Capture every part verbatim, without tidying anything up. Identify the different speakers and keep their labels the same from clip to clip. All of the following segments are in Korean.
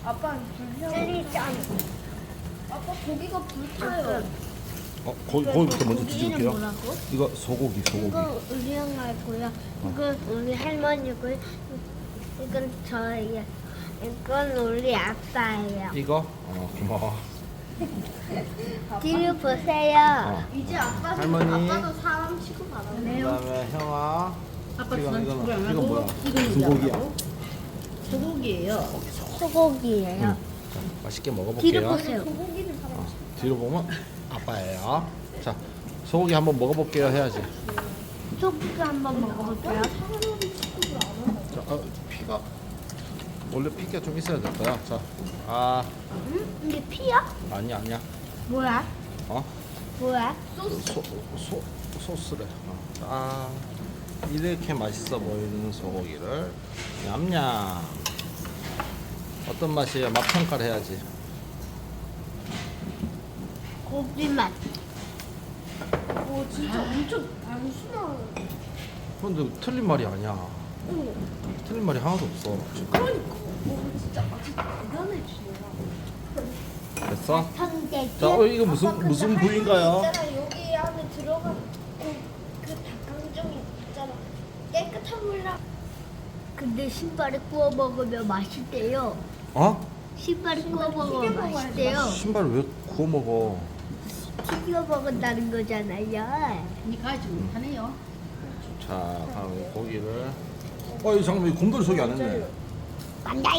Speaker 1: 아빠 불려.
Speaker 2: 젤리 짠.
Speaker 1: 아빠 고기가 불타요.
Speaker 3: 어, 거, 거기부터 먼저
Speaker 2: 고기는
Speaker 3: 뒤질게요.
Speaker 2: 뭐라고?
Speaker 3: 이거 소고기, 소고기.
Speaker 2: 이거 우리 형아고요. 이건 우리 할머니고요. 이건 저예요. 이건 우리 아빠예요.
Speaker 3: 이거? 어, 고마워.
Speaker 2: 뒤를 보세요.
Speaker 3: 어.
Speaker 1: 이제 아빠
Speaker 3: 할머니.
Speaker 1: 아빠도 사람 취급받았네.
Speaker 3: 그다음에 형아.
Speaker 4: 아빠
Speaker 3: 이거,
Speaker 4: 주는
Speaker 3: 이거는-
Speaker 4: 축구를 안
Speaker 3: 이건
Speaker 4: 하고
Speaker 3: 뭐야?
Speaker 4: 이거는
Speaker 3: 소고기야.
Speaker 4: 소고기예요.
Speaker 2: 소고기예요.
Speaker 3: 자, 맛있게
Speaker 2: 뒤를
Speaker 3: 먹어볼게요.
Speaker 2: 보세요.
Speaker 1: 고기는 사람
Speaker 3: 어, 뒤로 보면 아빠예요. 자, 소고기 한번 먹어볼게요 해야지.
Speaker 2: 소고기 한번 먹어볼게요.
Speaker 1: 사람 취급을 안 한다.
Speaker 3: 자, 어, 피가 원래 피가 좀 있어야 될 거야. 자, 아,
Speaker 2: 응? 이게 피야?
Speaker 3: 아니야, 아니야.
Speaker 2: 뭐야?
Speaker 3: 어?
Speaker 2: 뭐야?
Speaker 3: 소, 소, 소스래. 어. 아, 이렇게 맛있어 보이는 소고기를 냠냠. 어떤 맛이에요? 맛 평가를 해야지.
Speaker 2: 고기 맛.
Speaker 1: 오 진짜 엄청 단순한.
Speaker 3: 근데 틀린 말이 아니야.
Speaker 1: 응.
Speaker 3: 틀린 말이 하나도 없어.
Speaker 1: 그러니까. 오 진짜 맛이 대단해지네요.
Speaker 3: 됐어?
Speaker 2: 성대기.
Speaker 3: 자, 어, 이거
Speaker 1: 아빠,
Speaker 3: 무슨
Speaker 1: 근데
Speaker 3: 무슨
Speaker 1: 할머니
Speaker 3: 부위인가요?
Speaker 1: 있잖아, 여기 안에 들어간 그, 그 닭강정이 있잖아. 깨끗한 물랑.
Speaker 2: 근데 신발에 구워 먹으면 맛있대요.
Speaker 3: 어?
Speaker 2: 신발에 구워
Speaker 1: 튀겨
Speaker 2: 먹으면
Speaker 1: 먹어야지
Speaker 2: 맛있대요.
Speaker 3: 신발 왜 구워 먹어?
Speaker 2: 튀겨 먹은다는 거잖아요.
Speaker 4: 니 가지 못하네요.
Speaker 3: 자, 다음에 고기를. 어, 이 잠깐만, 이 곰돌이 소개 안 했네.
Speaker 2: 만다이.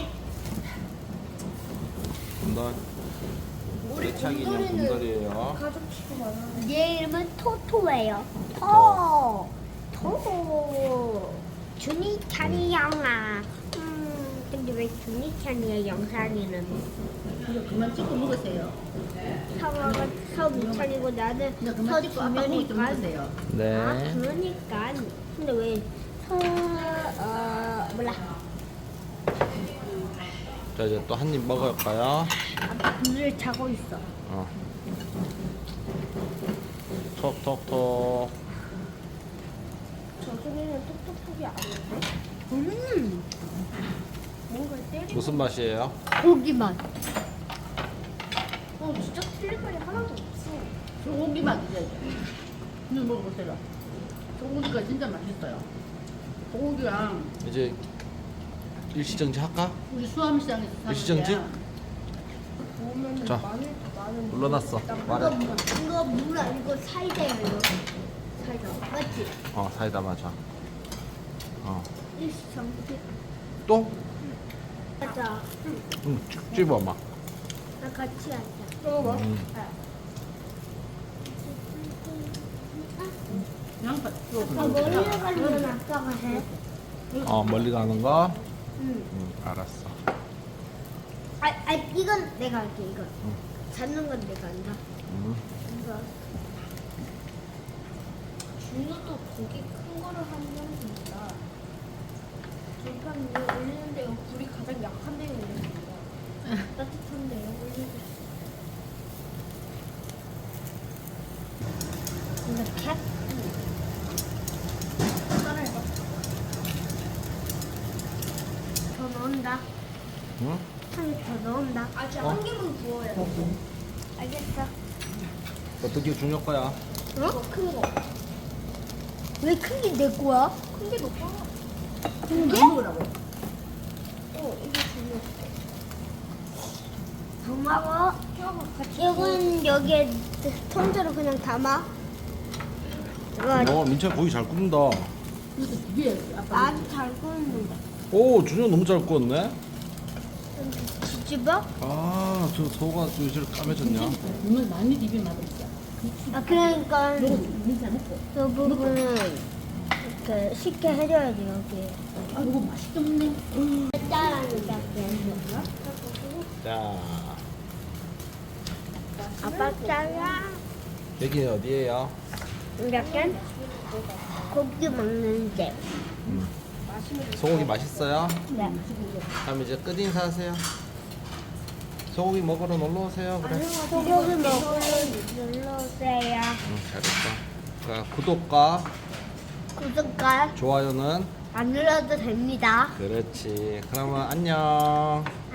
Speaker 3: 곰돌.
Speaker 1: 우리
Speaker 3: 대창 인형
Speaker 1: 곰돌이는
Speaker 3: 곰돌이에요.
Speaker 1: 가족 취급 안 하는.
Speaker 2: 얘 이름은 토토예요. 토. 토. 주니찬이 영아. 음, 근데 왜 주니찬이의 영상에는
Speaker 4: 이거 그만 찍고 먹으세요.
Speaker 2: 서가 서미찬이고 나는
Speaker 4: 이제 그만 찍고 아빠 고기 좀
Speaker 2: 서주면이니까.
Speaker 4: 먹으세요.
Speaker 3: 네.
Speaker 2: 아 그러니까. 근데 왜 서, 어, 몰라.
Speaker 3: 자, 이제 또 한 입 먹을까요?
Speaker 2: 아빠 물을 자고 있어.
Speaker 3: 어. 톡톡톡.
Speaker 1: 저 소리는 톡톡톡이 아닌데.
Speaker 2: 음,
Speaker 1: 뭔가 때리고.
Speaker 3: 무슨 맛이에요?
Speaker 2: 고기 맛.
Speaker 1: 어 진짜 틀린 말이 하나도 없어.
Speaker 4: 소고기 맛이죠. 이거 먹어보세요. 소고기가 진짜 맛있어요. 소고기랑
Speaker 3: 이제 일시정지 할까?
Speaker 4: 우리 수암시장에서 사는
Speaker 3: 일시정지?
Speaker 4: 거야.
Speaker 1: 보면
Speaker 3: 자,
Speaker 1: 마늘 마늘.
Speaker 3: 눌러놨어.
Speaker 2: 이거
Speaker 3: 말해.
Speaker 2: 물, 이거 물 아니고 사이다예요. 이거. 사이다. 맞지?
Speaker 3: 어, 사이다 맞아. 어.
Speaker 2: 일시정지.
Speaker 3: 또?
Speaker 2: 맞아.
Speaker 3: 응, 쭉 집어봐.
Speaker 2: 나 같이 하자.
Speaker 1: 어 뭐?
Speaker 3: 음.
Speaker 4: 양파.
Speaker 2: 아빠 머리 나가는 건 아빠가 해.
Speaker 3: 어, 멀리 가는 거?
Speaker 2: 응.
Speaker 3: 응, 알았어.
Speaker 2: 아, 아 이건 내가 할게 이건.
Speaker 3: 응.
Speaker 2: 잡는 건 내가 한다.
Speaker 3: 응.
Speaker 2: 이거.
Speaker 1: 준우도 고기 큰 거를 하면 됩니다. 불판 위에 올리는데요. 불이 가장 약한 데에 올립니다. 따뜻한데요. 올리고.
Speaker 2: 이렇게.
Speaker 1: 따라해봐.
Speaker 2: 더 넣는다.
Speaker 3: 응?
Speaker 2: 한 개 더 넣는다.
Speaker 1: 아직
Speaker 3: 어?
Speaker 1: 한 개만 부어요.
Speaker 2: 알겠어.
Speaker 3: 어떻게 중요 거야?
Speaker 1: 이거 큰 거.
Speaker 2: 왜 큰 게 내 거야?
Speaker 1: 큰 게 더 커.
Speaker 2: 큰 게?
Speaker 4: 안 먹으라고.
Speaker 1: 어 이게 준우.
Speaker 2: 고마워.
Speaker 1: 뼈가 같이.
Speaker 2: 이건 여기에 통째로 그냥 담아. 이거
Speaker 3: 어, 민철 고기 잘 굽는다.
Speaker 4: 이거 위에 아빠.
Speaker 2: 나도 잘 구웠는데.
Speaker 3: 오, 준영 너무 잘 구웠네.
Speaker 2: 뒤집어?
Speaker 3: 아, 저 소가 왜 저렇게 까매졌냐?
Speaker 4: 이건 많이 비빔 맛없어.
Speaker 2: 아 그러니까
Speaker 4: 이거 민사 먹고.
Speaker 2: 그 부분은 이렇게 쉽게 해줘야지 여기.
Speaker 4: 아 이거 맛있게 먹네.
Speaker 2: 짜라는 게.
Speaker 3: 자,
Speaker 2: 아빠 짜라.
Speaker 3: 여기 어디예요?
Speaker 2: 이렇게 고기 먹는 집.
Speaker 3: 소고기 맛있어요?
Speaker 2: 네.
Speaker 3: 그럼 이제 끝 인사하세요. 소고기 먹으러 놀러 오세요. 그래.
Speaker 2: 소고기 먹으러 눌러주세요.
Speaker 3: 응, 잘했어. 자, 구독과
Speaker 2: 구독과
Speaker 3: 좋아요는
Speaker 2: 안 눌러도 됩니다.
Speaker 3: 그렇지. 그러면 안녕.